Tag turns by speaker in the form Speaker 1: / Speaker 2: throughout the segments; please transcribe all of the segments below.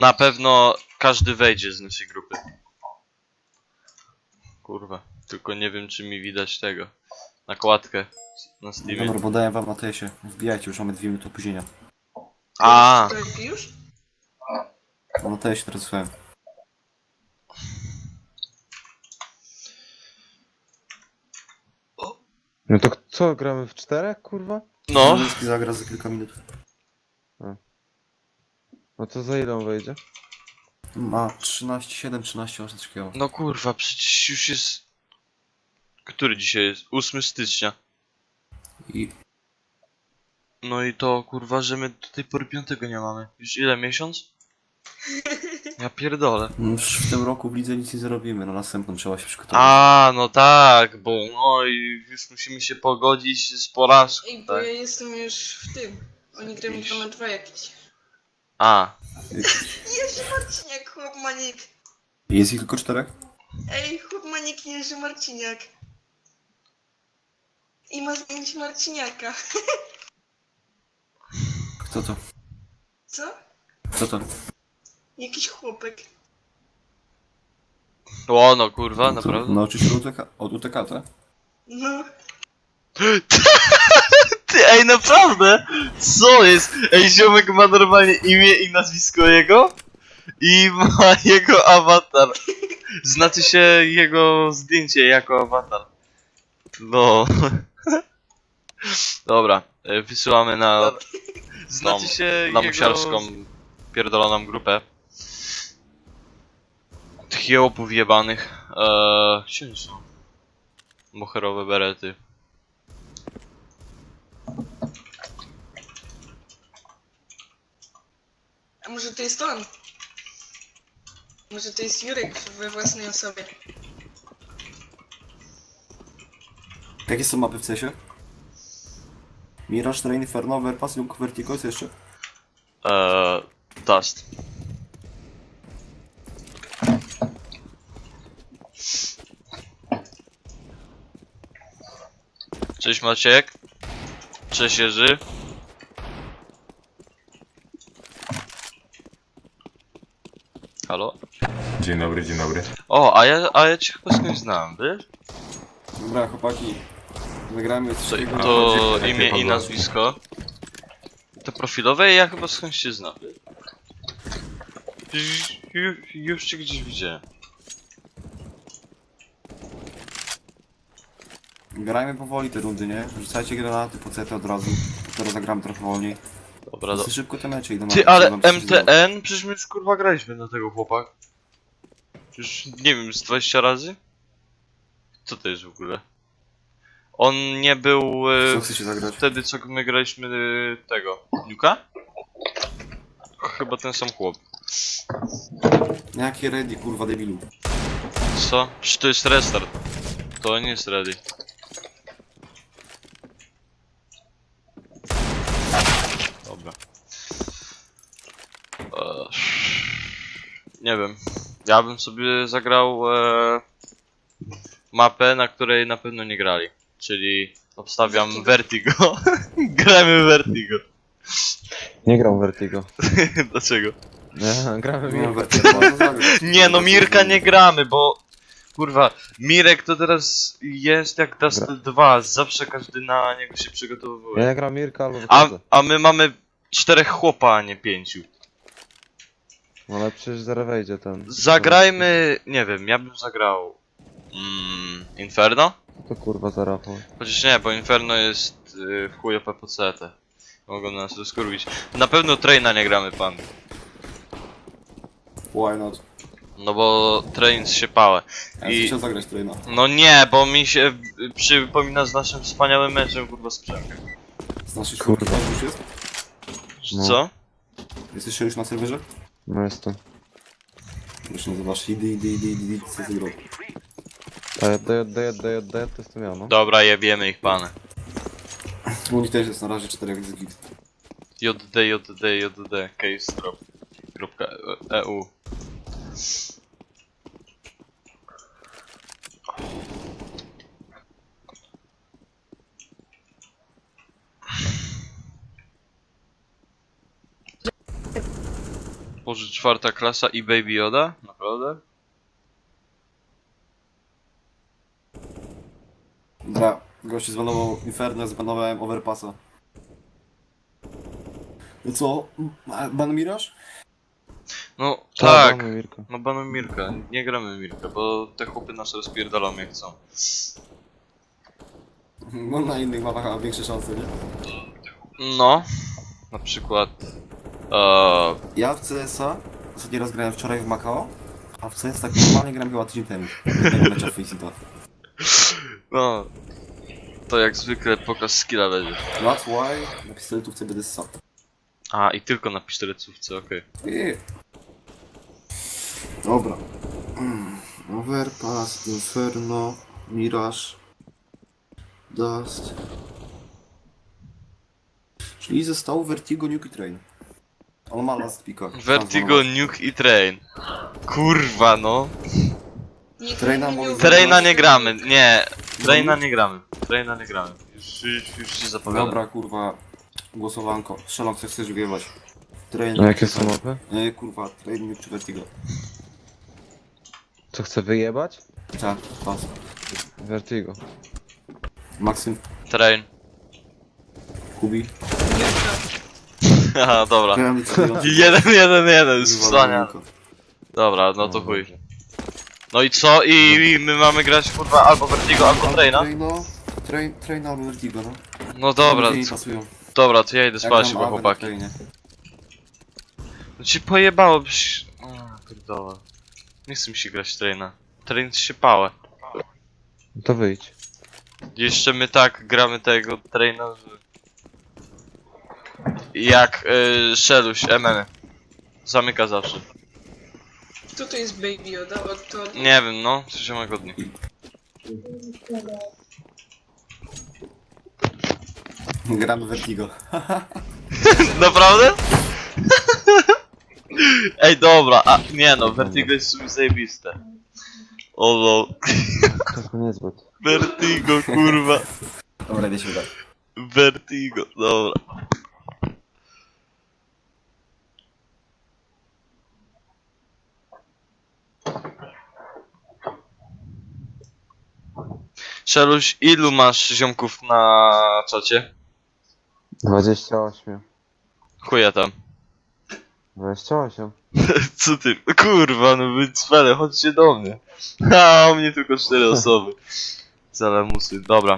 Speaker 1: Na pewno każdy wejdzie z naszej grupy. Kurwa, tylko nie wiem czy mi widać tego. Nakładkę na Steamie.
Speaker 2: Dobra, bo daję wam na TS-ie. Wbijajcie, już mamy 2 minuty opóźnienia.
Speaker 1: A,
Speaker 3: To już?
Speaker 2: No na TS-ie teraz słuchałem.
Speaker 4: No to co, gramy w 4, kurwa?
Speaker 1: no.
Speaker 2: Niemiecki zagra za kilka minut.
Speaker 4: No to za ile on wejdzie?
Speaker 2: Ma 13, 13, 8 takiego.
Speaker 1: No kurwa, przecież już jest... Który dzisiaj jest? 8 stycznia.
Speaker 2: I
Speaker 1: No i to kurwa, że my do tej pory 5 nie mamy. Już ile, miesiąc? Ja pierdolę.
Speaker 2: już w tym roku w lidze nic nie zrobimy, na następną trzeba się przygotować.
Speaker 1: A, no tak, bo no i już musimy się pogodzić z porażką,
Speaker 3: Ej, bo
Speaker 1: tak?
Speaker 3: ja jestem już w tym. Oni grają 2-2 jakieś.
Speaker 1: A,
Speaker 3: Jerzy Marciniak, chłop Manik.
Speaker 2: Jest ich tylko 4?
Speaker 3: Ej, chłop Manik, Jerzy Marciniak. I ma zdjęcie Marciniaka.
Speaker 2: Kto to?
Speaker 3: Co?
Speaker 2: Kto to?
Speaker 3: Jakiś chłopek.
Speaker 1: o no kurwa, naprawdę.
Speaker 2: Nauczy się od UTK, tak?
Speaker 3: No.
Speaker 1: Ty, ej, naprawdę? Co jest? Ej, ziomek ma normalnie imię i nazwisko jego? I ma jego awatar. Znaczy się jego zdjęcie jako awatar. No. Dobra, wysyłamy na... Znaczy się lamusiarską pierdoloną grupę. Tych jełopów jebanych. Gdzie oni są? Moherowe berety.
Speaker 3: A może to jest on? Może to jest Jurek we własnej osobie.
Speaker 2: Jakie są mapy w CS-ie? Mirage, Train, Inferno, Overpass, Lunk, Vertigo, jest jeszcze?
Speaker 1: Dust. Cześć Maciek. Cześć Jerzy. Halo?
Speaker 5: Dzień dobry, dzień dobry.
Speaker 1: O, a ja cię chyba skądś znam, wiesz?
Speaker 2: Dobra, chłopaki. Zagramy coś takiego.
Speaker 1: To
Speaker 5: jakie
Speaker 1: imię i
Speaker 5: podłoże?
Speaker 1: nazwisko. To profilowe ja chyba skądś się znam, wiesz? Już cię gdzieś widziałem.
Speaker 2: Grajmy powoli te rundy, nie? Rzucajcie granaty po CT od razu. Teraz zagramy trochę wolniej.
Speaker 1: Dobra,
Speaker 2: Dosyć szybko te mecze idą.
Speaker 1: Ty,
Speaker 2: a
Speaker 1: ale
Speaker 2: trzeba coś zrobić.
Speaker 1: MTN? Przecież my już kurwa graliśmy na tego chłopak. Już nie wiem, z 20 razy? Co to jest w ogóle? On nie był
Speaker 2: Co chcecie zagrać?
Speaker 1: wtedy co my graliśmy tego. Nuka? Chyba ten sam chłop.
Speaker 2: Jakie ready, kurwa debilu.
Speaker 1: Co? Czy to jest restart? To nie jest ready. Dobra. Nie wiem. Ja bym sobie zagrał mapę, na której na pewno nie grali. Czyli obstawiam Vertigo. Gramy w Vertigo.
Speaker 4: Nie gram w Vertigo.
Speaker 1: Dlaczego?
Speaker 4: Nie, gramy
Speaker 2: No,
Speaker 4: w
Speaker 2: Vertigo można zagrać.
Speaker 1: Nie no, Mirka nie gramy, bo kurwa, Mirek to teraz jest jak Dust 2, zawsze każdy na niego się
Speaker 4: Ja
Speaker 1: przygotowuje.
Speaker 4: nie gram Mirka albo wychodzę.
Speaker 1: A my mamy 4 chłopa, a nie 5.
Speaker 4: No ale przecież zaraz wejdzie ten.
Speaker 1: Zagrajmy, nie wiem, ja bym zagrał Inferno?
Speaker 4: To kurwa za Rafał.
Speaker 1: Chociaż nie, bo Inferno jest w chuj OP po CT. Mogą nas rozkurwić. Na pewno Traina nie gramy, pan.
Speaker 2: Why not?
Speaker 1: No bo Train się pałe.
Speaker 2: Ja
Speaker 1: I-
Speaker 2: chciał zagrać Traina.
Speaker 1: No nie, bo mi się przypomina z naszym wspaniałym meczem kurwa z Przemkiem.
Speaker 2: Z naszej
Speaker 4: Kurwa.
Speaker 2: szkoły już jest?
Speaker 4: No.
Speaker 1: Co?
Speaker 2: Jesteście już na serwerze?
Speaker 4: No jestem.
Speaker 2: Już nazywasz idy, co ty robisz?
Speaker 4: D, to jestem ja, no.
Speaker 1: Dobra, jebiemy ich pane.
Speaker 2: U nich też jest na razie 4 jak git.
Speaker 1: JD, case drop. .eu. Boże, 4. klasa i Baby Yoda? Naprawdę?
Speaker 2: Dobra, gości zbanował Inferno, zbanowałem Overpassa. No co? Ban Mirage?
Speaker 1: No
Speaker 4: Tak,
Speaker 1: tak,
Speaker 4: mamy Mirka.
Speaker 1: no banuj Mirka, nie gramy Mirka, bo te chłopy nas rozpierdolą jak chcą.
Speaker 2: No na innych mapach ma większe szanse, nie?
Speaker 1: No, na przykład...
Speaker 2: Ja w CS-a ostatni raz grałem wczoraj w Macao, a w CS tak normalnie grałem chyba tydzień temu. Nie mecza w Faceit.
Speaker 1: no... To jak zwykle pokaz skilla będzie.
Speaker 2: That's why na pistoletówce będę ssał.
Speaker 1: A, i tylko na pistolecówce, okej.
Speaker 2: Dobra. Overpass, Inferno, Mirage, Dust. Czyli został Vertigo, Nuke i Train. On ma last picka.
Speaker 1: Vertigo, Nuke i Train. Kurwa no.
Speaker 3: Nikt
Speaker 2: Traina
Speaker 3: nie
Speaker 2: może
Speaker 3: miał-
Speaker 1: Traina nie gramy, nie. Traina nie gramy. Traina nie gramy. Już się zapowiadam.
Speaker 2: Dobra, kurwa. Głosowanko. Strzelam, co chcesz wjebać. Train.
Speaker 4: A jakie są mapy?
Speaker 2: Kurwa, Train, Nuke czy Vertigo.
Speaker 4: Co chce wyjebać?
Speaker 2: Tak, pas.
Speaker 4: Vertigo.
Speaker 2: Maksym,
Speaker 1: Train.
Speaker 2: Kubi.
Speaker 3: Jurka.
Speaker 1: Haha, dobra.
Speaker 2: Grałem decydująco.
Speaker 1: 1-1-1, już
Speaker 2: Kurwa,
Speaker 1: wstania.
Speaker 2: Dominiko.
Speaker 1: Dobra, no to chuj. No i co? I my mamy grać kurwa albo Vertigo, albo Traina?
Speaker 2: Train albo Vertigo, no.
Speaker 1: No dobra,
Speaker 2: Ludzie nie pasują.
Speaker 1: dobra, to ja idę spać
Speaker 2: Jak
Speaker 1: chyba
Speaker 2: mam awę na
Speaker 1: chłopaki.
Speaker 2: Trainie.
Speaker 1: No ci pojebało byś... O, pierdolę. Nie chcę mi się grać Traina. Train się pałe.
Speaker 4: No to wyjdź.
Speaker 1: Jeszcze my tak gramy tego Traina, że... Jak Szeluś, MM. Zamyka zawsze.
Speaker 3: Kto to jest Baby Yoda? To...
Speaker 1: Nie wiem, no, 3 dni.
Speaker 2: Gramy Vertigo.
Speaker 1: Naprawdę? Ej, dobra, a nie no, Vertigo jest w sumie zajebiste. O lol.
Speaker 4: To niezbyt.
Speaker 1: Vertigo, kurwa.
Speaker 2: Dobra, idę się udać.
Speaker 1: Vertigo, dobra. Szeluś, ilu masz ziomków na czacie?
Speaker 4: 28.
Speaker 1: Chuja tam.
Speaker 4: 28.
Speaker 1: Co ty? Kurwa, no wy cwele, chodźcie do mnie. A, o mnie tylko 4 osoby. Zalamusy, dobra.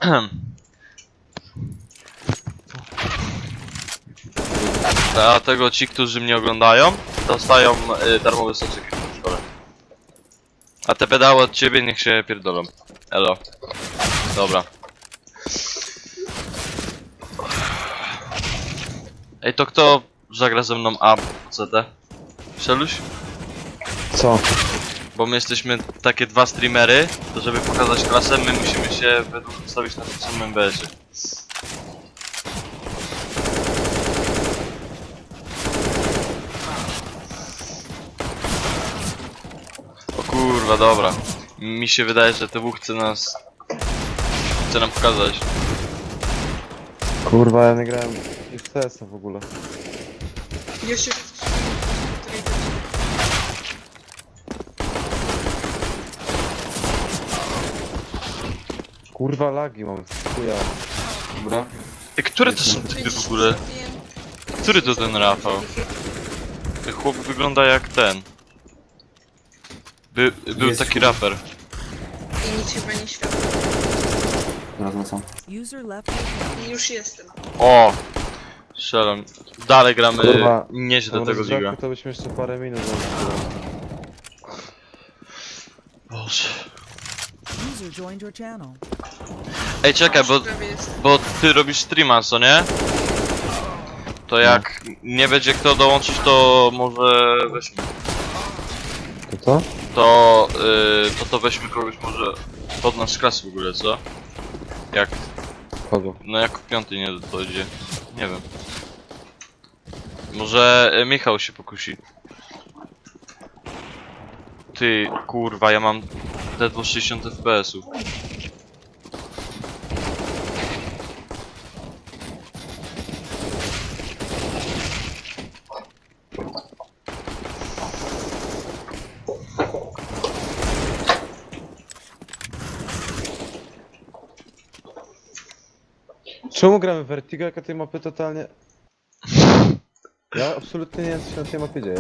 Speaker 1: A tego ci, którzy mnie oglądają, dostają darmowy soczek w szkole. A te pedały od ciebie niech się pierdolą. Elo. Dobra. Ej, to kto zagra ze mną A CT? Szeluś?
Speaker 4: Co?
Speaker 1: Bo my jesteśmy takie 2 streamery, to żeby pokazać klasę, my musimy się według ustawić na tym samym BS-ie. O kurwa, dobra. Mi się wydaje, że TW chce nam pokazać.
Speaker 4: Kurwa, ja nie grałem w CS-a w ogóle.
Speaker 3: Ja się...
Speaker 4: Kurwa, lagi mam. Chuja.
Speaker 2: Dobra.
Speaker 1: Ej, które to są typy w ogóle? Który to ten Rafał? Ten chłop wygląda jak ten. Był
Speaker 2: Jest
Speaker 1: taki
Speaker 2: chuj.
Speaker 1: raper.
Speaker 3: I nic chyba nie świadczy.
Speaker 2: Teraz wracam.
Speaker 6: User left your channel.
Speaker 3: Już jestem.
Speaker 1: O! Strzelam. Dalej gramy
Speaker 4: Kurwa,
Speaker 1: nieźle
Speaker 4: Na
Speaker 1: tego
Speaker 4: rozgrzewku
Speaker 1: liga.
Speaker 4: to byśmy jeszcze parę minut
Speaker 1: Boże.
Speaker 6: User joined your channel.
Speaker 1: Ej, czekaj,
Speaker 3: Już prawie jestem.
Speaker 1: bo ty robisz streama, co nie? To jak nie będzie kto dołączyć, to może weźmy.
Speaker 4: To co?
Speaker 1: To weźmy kogoś może pod nasz klas w ogóle, co? Jak,
Speaker 4: Kogo?
Speaker 1: no jak w 5 nie dojdzie. Nie wiem. Może Michał się pokusi. Ty, kurwa, ja mam ledwo 60 FPS-ów.
Speaker 4: Czemu gramy w Vertigo, jak tej mapy totalnie... Ja absolutnie nie wiem, co się na tej mapie dzieje.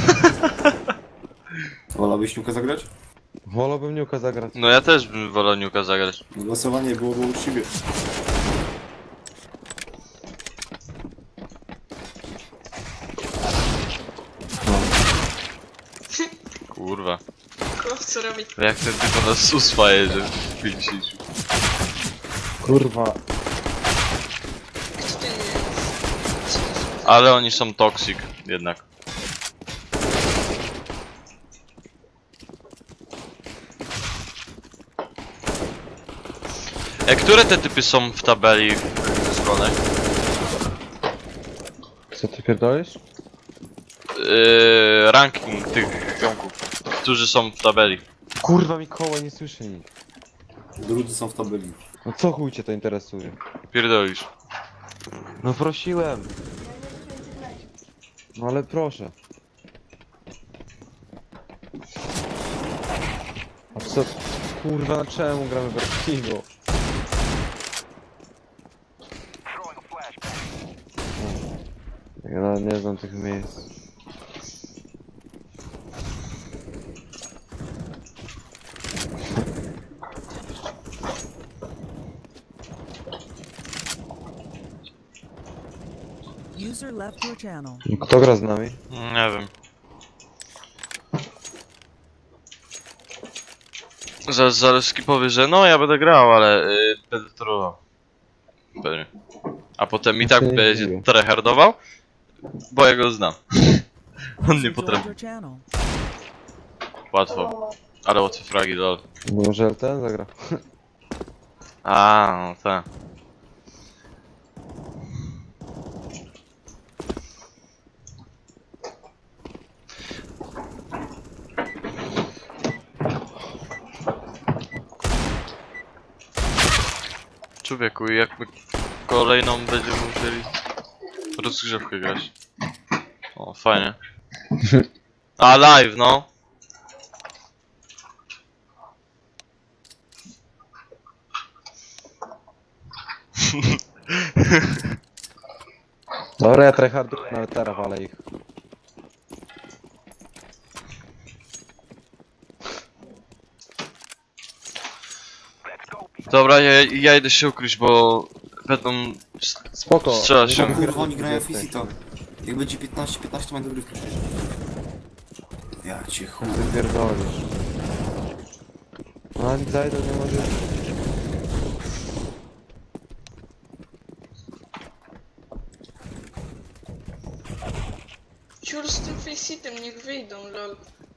Speaker 2: Wolałbyś Niuka zagrać?
Speaker 4: Wolałbym Niuka zagrać.
Speaker 1: No ja też bym wolał Niuka zagrać.
Speaker 2: Głosowanie byłoby uczciwie.
Speaker 1: Kurwa.
Speaker 3: Chłop, co robi?
Speaker 1: Jak ten typ nas uswaje, że w 50.
Speaker 4: Kurwa.
Speaker 3: Kto to jest?
Speaker 1: Ale oni są toxic jednak. Które te typy są w tabeli zespołowej?
Speaker 4: Co ty pierdolisz?
Speaker 1: Ranking tych ziomków, którzy są w tabeli.
Speaker 4: Kurwa Mikołaj, nie słyszę nic.
Speaker 2: Drudzy są w tabeli.
Speaker 4: No co chuj cię to interesuje?
Speaker 1: Pierdolisz.
Speaker 4: No prosiłem. No ale proszę. A co? Kurwa, na czemu gramy w Vertigo? Ja nawet nie znam tych miejsc.
Speaker 6: User left your channel.
Speaker 4: Kto gra z nami?
Speaker 1: Nie wiem. Zaraz Zaleski powie, że no ja będę grał, ale będę trollował. Pewnie. A potem i
Speaker 4: Ja
Speaker 1: tak
Speaker 4: się nie
Speaker 1: będzie
Speaker 4: dziwię.
Speaker 1: tryhardował, bo ja go znam. On nie
Speaker 6: User joined
Speaker 1: potrafi.
Speaker 6: your channel.
Speaker 1: Łatwo. Ale łatwe fragi, lol.
Speaker 4: Może ten zagra.
Speaker 1: A, no tak. Człowieku, jak my kolejną będziemy musieli rozgrzewkę grać. O, fajnie. A, live, no.
Speaker 4: Dobra, ja tryhardu nawet teraz walę ich.
Speaker 1: Dobra, ja idę się ukryć, bo będą
Speaker 4: Spoko.
Speaker 1: strzelać się.
Speaker 2: Kurwa, oni grają w Fisito. Jak będzie 15 to będę dogrywkę przecież. Ja cię chuj.
Speaker 4: Ty pierdolisz. No ani zajdę, nie może...
Speaker 3: Ciur z tym faceitem, niech wyjdą, lol.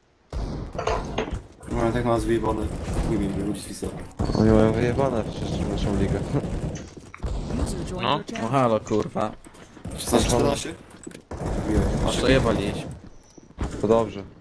Speaker 2: No tak nas wyjebane. Nie wiem, ludzi z Fisito.
Speaker 4: Oni mają wyjebane przecież w naszą ligę.
Speaker 6: User joined
Speaker 1: No.
Speaker 6: your
Speaker 7: No
Speaker 6: channel.
Speaker 7: halo kurwa,
Speaker 2: 16-14?
Speaker 7: a co je walić?
Speaker 4: To dobrze.